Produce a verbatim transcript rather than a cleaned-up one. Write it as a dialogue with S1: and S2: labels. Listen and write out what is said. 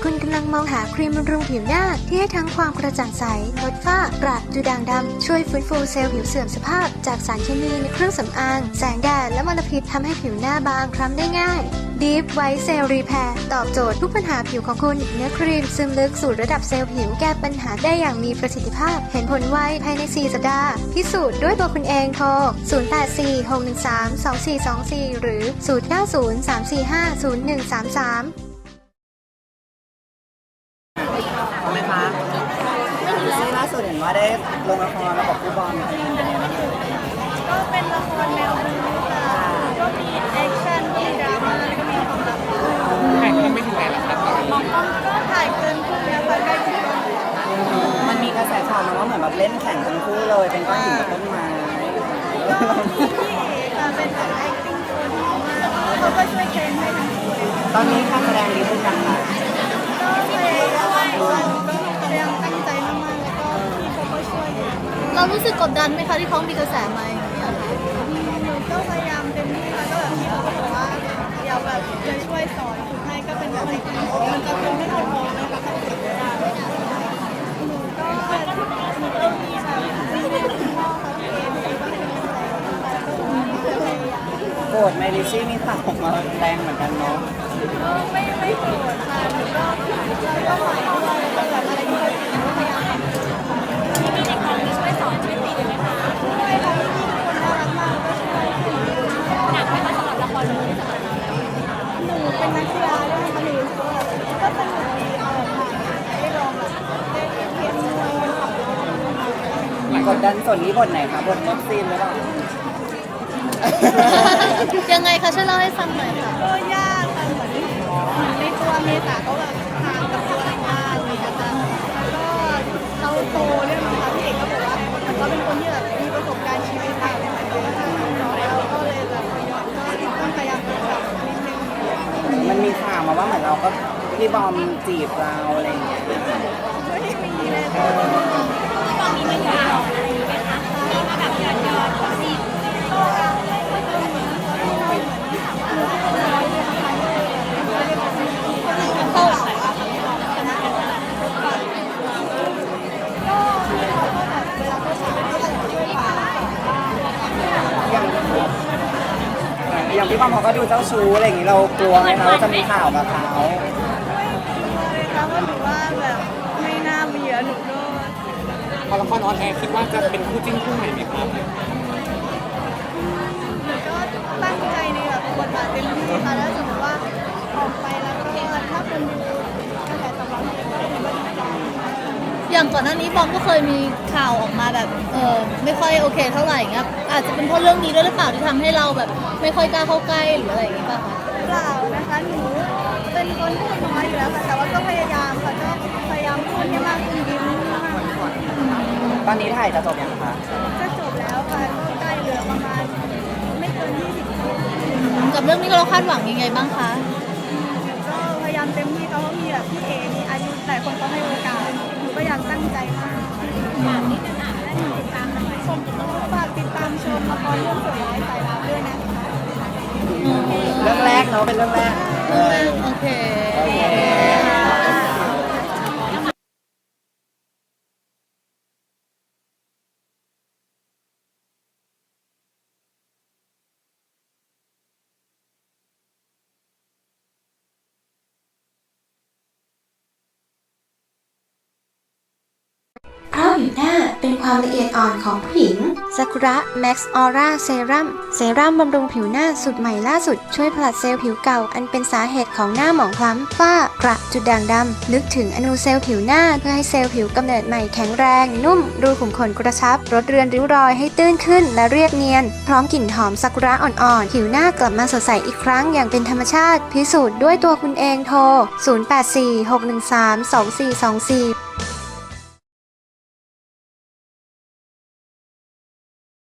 S1: คุณกำลังมองหาครีมบำรุงผิวหน้าที่ให้ทั้งความกระจ่างใสลดฝ้ากระดูด่างดำช่วยฟื้นฟูเซลล์ผิวเสื่อมสภาพจากสารเคมีในเครื่องสำอางแสงแดดและมลพิษทำให้ผิวหน้าบางคล้ำได้ง่าย Deep White Cell Repair ตอบโจทย์ทุกปัญหาผิวของคุณเนื้อครีมซึมลึกสู่ระดับเซลล์ผิวแก้ปัญหาได้อย่างมีประสิทธิภาพเห็นผลไวภายในสี่สัปดาห์พิสูจน์ด้วยตัวคุณเองโทรศูนย์ แปด สี่ หก หนึ่ง สาม สอง สี่ สอง สี่ หรือศูนย์ เก้า ศูนย์ สาม สี่ ห้า ศูนย์ หนึ่ง สาม สาม
S2: ทำไหมคะซีล่าสุดเห็นว่าได้ลงละครแล้วกับผู้บอลเป็นยังไงบ้างเอ่ย
S3: ก็เป็นละครแนวบู๊ค่ะก็มีแอคชั่นมีดราม่าแล้วก็มีความรัก
S4: ถ่ายทำไม่ถึงไหนแล้วครับ
S3: มองกล้องก็ถ่ายเกินครึ่งแล้วค่ะใกล้ถึงตอนแล้ว
S2: มันมีกระแสข่าวมาว่าเหมือนแบบเล่นแข่งทั้งคู่เลยเป็นก้อนหินกับต้นไม้
S3: ก็พี่เอ๋ค่ะเป็นแบบ acting ตัวดีมากเขาก็ช่วยเทรนให้ทั้งคู่เลย
S2: ตอนนี้การแสดงดีขึ้นยังคะ
S3: ก็พยายามก็พยายามตั้งใจมากๆแล้วก็พี่เขาก็ช่วย
S5: เรารู้สึกกดดันไหมคะที่เขามีกระแสมาอย่างเงี้ยค่ะ
S3: หนูก็พยายามเต็มที่แล้วก็แบบพี่เขาก็บอกว่าเดี๋ยวแบบจะช่วยสอนฝึกให้ก็เป็นแบบ acting มันจะทำให้เรามองนะคะหนูก็หนูก็มีแบบมีคุณพ่อเขาเองก็เป็นกำลังใจแล้วก็พยายาม
S2: โกรธไมลิซี่มีข่าวออกมาแรงเหมือนกันเนาะ
S3: ก็ไม่ไม่โกรธค่ะหนูก็เราก็หมายด้วยแล้วก็แบบอะไรที่เราทำก็พยายามทำที่มีในกองมีช่วยสอนช่วยติดไหมคะช่วยค่ะพี่ทุกคนน่ารักมากก็ช่วยหนักไหมคะสำหรับละครเรื่องนี้สำหรับเราหนูเป็นนักกีฬาด้วยค่ะหนูก็สนุกดีเออค่ะได้ลองแบบได้เรียนมวย
S2: กดดันส่วนนี้บทไหนคะบทเลิฟซีนหรือเปล่า
S5: ยังไงคะช่วยเล่าให้ฟังหน่อยค่ะ
S3: ก็ยากค่ะเหมือนในตัวเมษาก็แบบทางกับตัวอะไรมากเลยนะคะแล้วก็เขาโตเรื่องนะคะพี่เอกก็บอกว่ามันก็เป็นคนที่แบบมีประสบการณ์ชีวิตต่างกันเยอะเราก็เลยแบบก็ต้องพยายามปรับนิดนึง
S2: มันมีข่าวมาว่าเหมือนเราก็พี่บอมจีบเราอะไรอย่างเงี้ย
S3: ไม่มีเลยค่ะพี่บอมมีไม่ยาวอะไรไหมคะมีมาแบบย้อนย้อนจีบ
S2: อย่างพี่บอมเขาก็ดูเจ้าชู้อะไรอย่างนี้เรากลัวไหมคะว่าจะมีข่าวกับเขา
S3: เลยค่ะว่าหนูว่าแบบไม่น่ามีอะหนูก็
S4: พอละครออนแอร์คิดว่าจะเป็นคู่จิ้นคู่ใหม่ไหมครับ
S3: หนูก็ตั้งใจในแบบบทบาทเต็มที่ค่ะแล้วสมมติว่าออกไปแล้วก็ถ้าคนดูกระแสตอบรับดีก็ดีใจ
S5: อย่างก่อนหน้านี้บอมก็เคยมีข่าวออกมาแบบเออไม่ค่อยโอเคเท่าไหร่เงี้ยอาจจะเป็นเพราะเรื่องนี้ด้วยหรือเปล่าที่ทำให้เราแบบไม่ค่อยกล้าเข้าใกล้หรืออะไรอย่างเงี้ยป่ะคะ
S3: เปล่านะคะหนูเป็นคนพูดน้อยอยู่แล้วค่ะแต่ว่าก็พยายามค่ะก็พยายามพูดให้มากขึ้นยิ้มมาก
S2: ตอนนี้ถ่ายจะจบยังคะ
S3: จะจบแล้วค่ะก็ใกล้เหลือประมาณไม่เกินยี่สิบคิว
S5: กับเรื่องนี้เราคาดหวังยังไงบ้างคะ
S3: ก็พยายามเต็มที่เขามีแบบพี่เอมีอายุแต่คนเขาให้โอกาสหนูก็อยากตั้งใจมากฝากนิดนึงอ่ะและหนูติดตามชมฝากติดตามชมละครเรื่องสวยร้ายสายลับด้วยนะคะ
S2: เรื่องแรกเนาะเป็นเรื่องแรก
S5: โอเค
S1: เพราะผิวหน้าเป็นความละเอียดอ่อนของผู้หญิงซากุระแม็กซ์ออร่าเซรั่มเซรั่มบำรุงผิวหน้าสุดใหม่ล่าสุดช่วยผลัดเซลล์ผิวเก่าอันเป็นสาเหตุของหน้าหมองคล้ำฝ้ากระจุดด่างดำลึกถึงอนูเซลล์ผิวหน้าเพื่อให้เซลล์ผิวกำเนิดใหม่แข็งแรงนุ่มรูขุมขนกระชับลดเรือนริ้วรอยให้ตื้นขึ้นและเรียบเนียนพร้อมกลิ่นหอมซากุระอ่อนๆผิวหน้ากลับมาสดใสอีกครั้งอย่างเป็นธรรมชาติพิสูจน์ด้วยตัวคุณเองโทรศูนย์ แปด สี่ หก หนึ่ง สาม สอง สี่ สอง สี่